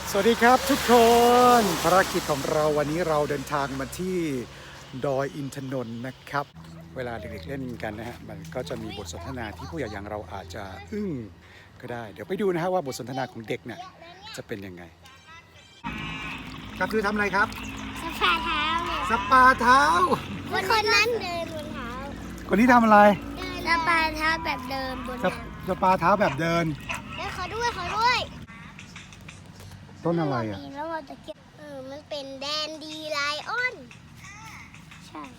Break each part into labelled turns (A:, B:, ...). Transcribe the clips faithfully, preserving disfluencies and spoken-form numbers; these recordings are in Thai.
A: สวัสดีครับทุกคนภารกิจของเราวันนี้เราเดินทางมาที่ดอยอินทนนท์นะครับเวลาเด็กๆเล่นกันนะฮะมันก็จะมีบทสนทนาที่ผู้ใหญ่อย่างเราอาจจะอึ้งก็ได้เดี๋ยวไปดูนะฮะว่าบทสนทนาของเด็กเนี่ยจะเป็นยังไงครับคือทำอะไรครับ
B: สปาเท้า
A: สปาเท้า
B: คนคนนั้นเดินบนเท้า
A: คนนี้ทำอะไร
B: สปาเท้าแบบเดินบนน้ำ
A: สปาเท้าแบบเดิน
B: แล้วเขาด้วยเขาด้วย
A: ต้นอะไรอ่ะ
B: แล้วเราจะเก็บเออมันเป็นแดนดีไลออนใช่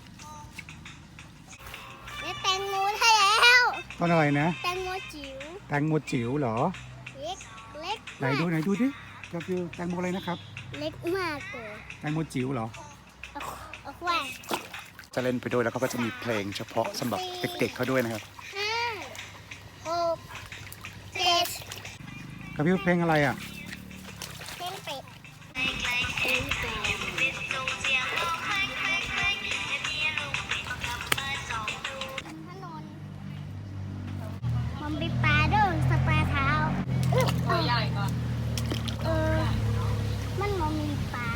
B: แล้วแตงโมได้แล้ว
A: ต้นอะไรนะ
B: แตงโมจิ๋ว
A: แตงโมจิ๋วเหรอ
B: เล็กเล็ก
A: ไหนดูไหนดูดิก็คือแตงโมอะไรนะครับ
B: เล็กมากเลย
A: แตงโมจิ๋วเหรอ
B: เอาไว้
A: จะเล่นไปด้วยแล้วเขาก็จะมีเพลงเฉพาะสำหรับเด็กๆเขาด้วยนะครับ
B: ห้าหกเจ็ด
A: กับพี่เพลงอะไรอ่ะ
B: เพลงเป็ดมันมีปลาด้วยสปาเท้าตัวใหญ่ก่อนเออมันมันมีปลา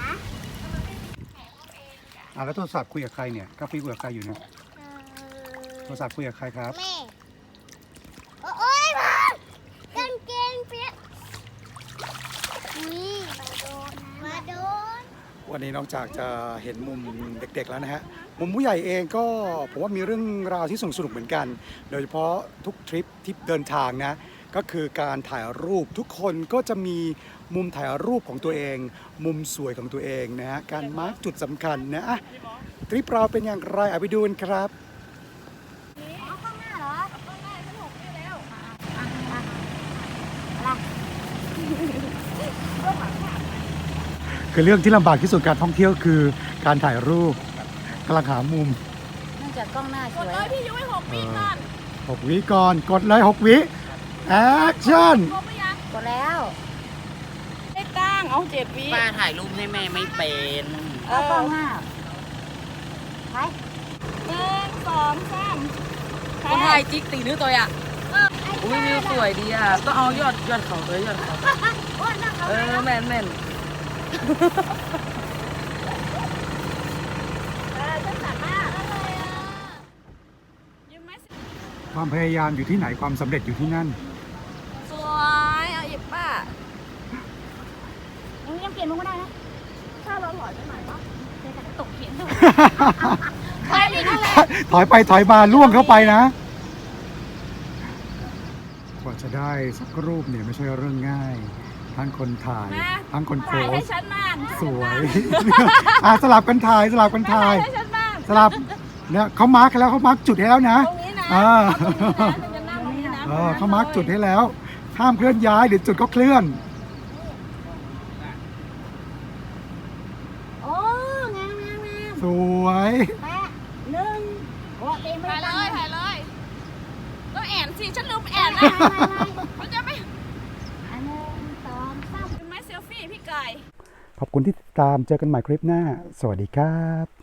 A: อ่าแล้วโทรศัพท์คุยกับใครเนี่ยกาแฟคุยกับใครอยู่เนี่ยโทรศัพท์คุยกับใครครับ
B: แม่โอ้ยมากางเกงเปียกนี่มาโดนมาโดน
A: วันนี้นอกจากจะเห็นมุมเด็กๆแล้วนะฮะมุมผู้ใหญ่เองก็ผมว่ามีเรื่องราวที่สนุกเหมือนกัน โดยเฉพาะทุกทริปที่เดินทางนะก็คือการถ่ายรูปทุกคนก็จะมีมุมถ่ายรูปของตัวเอง มุมสวยของตัวเองนะฮะการมาร์กจุดสำคัญนะทริปเราเป็นอย่างไรเอาไปดูกันครับคือเรื่องที่ลำบากที่สุดการท่องเที่ยวคือการถ่ายรูปกำลังหามุม
C: เนื่องจากกล้องหน้าสวย
D: กดเลยพี่ยุ้ยหกวิก่อน
A: หกวิก่อนกดเลยหกวิแอคชั่น
C: กดแล้ว
D: ไม่ตั้งเอาเจ็ดวิ
E: ป้าถ่ายรูปให้แม่ไม่เป็น
C: เอากล้องหน้าไป
D: หนึ่งสองสาม
E: คนถ่ายจิ๊กตีนื้อตัวอ่ะอุ้ยวิวสวยดีอ่ะต้องเอายอดยอดเขาเลยยอดเขาเออแม่นแม่น
A: ความพยายามอยู่ที่ไหนความสำเร็จอยู่ที่นั่น
D: สวยเอาหยิบป้า
C: ยังยังเปลี่ยนมุมก็ได้นะ
D: ถ้าเราหลอยไปหน่อยปะ
C: เดี๋ยวจะตกเขียนด้วย
D: ถอยไปนั่นแหละ
A: ถอยไปถอยมาล่วงเข้าไปนะกว่าจะได้สักรูปเนี่ยไม่ใช่เรื่องง่ายทั้งคนถ่ายทั้งคนโพสสวยอ่ะสลับกันถ่ายสลับกันถ่ายสลับเนี่ยเขามาร์กแล้วเขามาร์กจุดให้แล้วนะอ่าเออเขามาร์กจุดให้แล้วห้ามเคลื่อนย้ายเดี๋ยวจุดก็เคลื่อน
B: โอ้งามงามงาม
A: สวย
B: แปะหนึ่งโอ้เต็ม
D: ถ่ายเลยถ่ายเลยต้องแอนสิฉันลืมแอน นะเขาจะไม่
B: อันหนึ่งสองสาม
D: เป็นไม้เซลฟี่พี่ไก่
A: ขอบคุณที่ติดตามเจอกันใหม่คลิปหน้าสวัสดีครับ